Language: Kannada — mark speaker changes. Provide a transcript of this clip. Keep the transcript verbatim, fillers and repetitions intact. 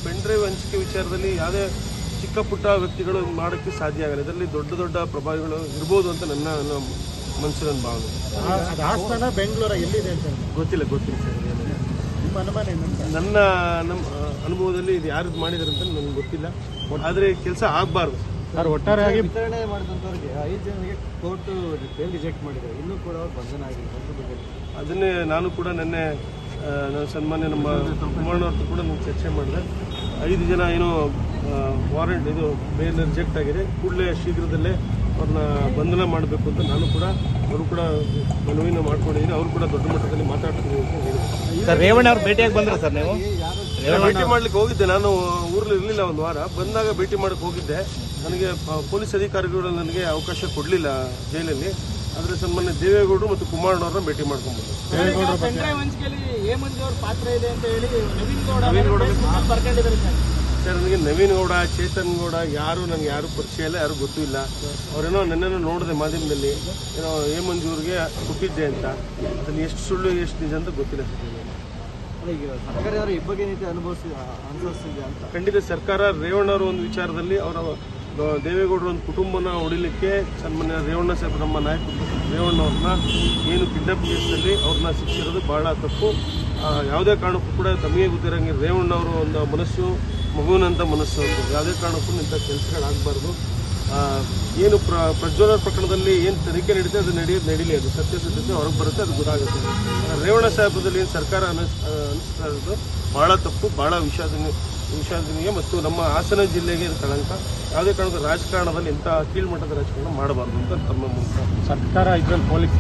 Speaker 1: ಪೆನ್ ಡ್ರೈವ್ ಹಂಚಿಕೆ ವಿಚಾರದಲ್ಲಿ ಯಾವುದೇ ಚಿಕ್ಕ ಪುಟ್ಟ ವ್ಯಕ್ತಿಗಳು ಮಾಡೋಕ್ಕೆ ಸಾಧ್ಯ ಆಗಲ್ಲ. ಇದರಲ್ಲಿ ದೊಡ್ಡ ದೊಡ್ಡ ಪ್ರಭಾವಿಗಳು ಇರ್ಬೋದು ಅಂತ ನನ್ನ ಮನಸ್ಸಿನ ಭಾವನೆ.
Speaker 2: ಹಾಸನ ಬೆಂಗಳೂರು ಎಲ್ಲಿದೆ ಅಂತ
Speaker 1: ಗೊತ್ತಿಲ್ಲ ಗೊತ್ತಿಲ್ಲ ಸರ್.
Speaker 2: ನಿಮ್ಮ ಅನುಮಾನ ಏನಂತ?
Speaker 1: ನನ್ನ ನಮ್ಮ ಅನುಭವದಲ್ಲಿ ಇದು ಯಾರು ಮಾಡಿದಾರೆ ಅಂತ ನನಗೆ ಗೊತ್ತಿಲ್ಲ. ಆದರೆ ಕೆಲಸ ಆಗಬಾರ್ದು
Speaker 2: ಸರ್. ಒಟ್ಟಾರೆಯಾಗಿ
Speaker 3: ವಿತರಣೆ ಮಾಡಿದಂಥವ್ರಿಗೆ ಐದು ಜನರಿಗೆ ಕೋರ್ಟ್ ಬೇಲ್ ರಿಜೆಕ್ಟ್ ಮಾಡಿದ್ದಾರೆ, ಇನ್ನೂ ಕೂಡ ಅವ್ರು ಬಂಧನ ಆಗಿಲ್ಲ.
Speaker 1: ಅದನ್ನೇ ನಾನು ಕೂಡ ನಿನ್ನೆ ನಾನು ಸನ್ಮಾನ್ಯ ನಮ್ಮ ಕುಮಾರಣ್ಣವ್ರದ್ದು ಕೂಡ ನಾನು ಚರ್ಚೆ ಮಾಡಿದೆ. ಐದು ಜನ ಏನೋ ವಾರೆಂಟ್ ಇದು ಬೇಲ್ ರಿಜೆಕ್ಟ್ ಆಗಿದೆ, ಕೂಡಲೇ ಶೀಘ್ರದಲ್ಲೇ ಅವ್ರನ್ನ ಬಂಧನ ಮಾಡಬೇಕು ಅಂತ ನಾನು ಕೂಡ ಅವರು ಕೂಡ ಮನವಿನ ಮಾಡ್ಕೊಂಡಿದ್ದೀನಿ. ಅವರು ಕೂಡ ದೊಡ್ಡ ಮಟ್ಟದಲ್ಲಿ ಮಾತಾಡ್ತೀನಿ ಅಂತ ಹೇಳಿದ್ರು.
Speaker 2: ಸರ್ ರೇವಣ್ಣ ಅವ್ರು ಭೇಟಿಯಾಗಿ ಬಂದ್ರೆ ಸರ್ ನೀವು?
Speaker 1: ಭೇಟಿ ಮಾಡ್ಲಿಕ್ಕೆ ಹೋಗಿದ್ದೆ, ನಾನು ಊರಲ್ಲಿ ಇರಲಿಲ್ಲ ಒಂದು ವಾರ. ಬಂದಾಗ ಭೇಟಿ ಮಾಡಕ್ಕೆ ಹೋಗಿದ್ದೆ. ನನಗೆ ಪೊಲೀಸ್ ಅಧಿಕಾರಿಗಳು ನನಗೆ ಅವಕಾಶ ಕೊಡಲಿಲ್ಲ ಜೈಲಲ್ಲಿ. ಆದರೆ ಸನ್ಮಾನ್ಯ ದೇವೇಗೌಡರು ಮತ್ತು ಕುಮಾರಣ್ಣವ್ರನ್ನ ಭೇಟಿ ಮಾಡ್ಕೊಂಡ್ಬಂದು
Speaker 3: ಪಾತ್ರ ಇದೆ ಅಂತ ಹೇಳಿ ನವೀನ್ ಗೌಡ
Speaker 1: ನವೀನ್ ಗೌಡ
Speaker 3: ಬರ್ಕೊಂಡಿದ್ದಾರೆ
Speaker 1: ಸರ್. ನನಗೆ ನವೀನ್ ಗೌಡ, ಚೇತನ್ ಗೌಡ ಯಾರು ನನಗೆ ಯಾರು ಪರಿಚಯ ಇಲ್ಲ, ಯಾರು ಗೊತ್ತೂ ಇಲ್ಲ. ಅವರೇನೋ ನನ್ನನ್ನು ನೋಡಿದೆ ಮಾಧ್ಯಮದಲ್ಲಿ, ಏನೋ ಎ ಮಂಜೂರಿಗೆ ಕೊಟ್ಟಿದ್ದೆ ಅಂತ. ಅದನ್ನು ಎಷ್ಟು ಸುಳ್ಳು ಎಷ್ಟು ನಿಜ ಅಂತ ಗೊತ್ತಿಲ್ಲ ಸರ್.
Speaker 3: ಈಗ ಸರ್ಕಾರ ಯಾರು ಇಬ್ಬಗೆ ನೀತಿ ಅನುಭವಿಸಿ ಅನುಸರಿಸಿದೆ ಅಂತ
Speaker 1: ಖಂಡಿತ ಸರ್ಕಾರ ರೇವಣ್ಣವರು ಒಂದು ವಿಚಾರದಲ್ಲಿ ಅವರ ದೇವೇಗೌಡರ ಒಂದು ಕುಟುಂಬನ ಹೊಡಿಲಿಕ್ಕೆ ಸನ್ಮಾನ್ಯ ರೇವಣ್ಣ ಸಾಹೇಬ್ ನಮ್ಮ ನಾಯಕ ರೇವಣ್ಣವ್ರನ್ನ ಏನು ಕಿಡ್ನಾಪ್ ಕೇಸಲ್ಲಿ ಅವ್ರನ್ನ ಶಿಕ್ಷಿರೋದು ಬಹಳ ತಪ್ಪು. ಯಾವುದೇ ಕಾರಣಕ್ಕೂ ಕೂಡ ತಮಗೆ ಗೊತ್ತಿರೋಂಗೆ ರೇವಣ್ಣವರು ಒಂದು ಮನಸ್ಸು ಮಗುವಿನಂಥ ಮನಸ್ಸು ಅಂತ ಯಾವುದೇ ಕಾರಣಕ್ಕೂ ಇಂಥ ಕೆಲಸಗಳಾಗಬಾರ್ದು. ಏನು ಪ್ರ ಪ್ರಜ್ವಲ ಪ್ರಕರಣದಲ್ಲಿ ಏನು ತನಿಖೆ ನಡೀತೆ ಅದು ನಡೆಯೋದು ನಡೀಲಿ, ಅದು ಸತ್ಯಾಸತ್ಯತೆ ಹೊರಗೆ ಬರುತ್ತೆ, ಅದು ಗೊತ್ತಾಗುತ್ತೆ. ರೇವಣ್ಣ ಸಾಹೇಬದಲ್ಲಿ ಏನು ಸರ್ಕಾರ ಅನಿಸ್ ಅನಿಸ್ತಾ ಇರೋದು ಭಾಳ ತಪ್ಪು, ಭಾಳ ವಿಷಾದನೀಯ ವಿಷಾದನೀಯ ಮತ್ತು ನಮ್ಮ ಹಾಸನ ಜಿಲ್ಲೆಗೆ ಕಳಂಕ. ಯಾವುದೇ ಕಾರಣಕ್ಕೂ ರಾಜಕಾರಣದಲ್ಲಿ ಇಂಥ ಕೀಳ್ಮಟ್ಟದ ರಾಜಕಾರಣ ಮಾಡಬಾರ್ದು ಅಂತ ತಮ್ಮ ಮೂಲಕ
Speaker 2: ಸರ್ಕಾರ ಇದ್ರಲ್ಲಿ ಪೊಲೀಸ್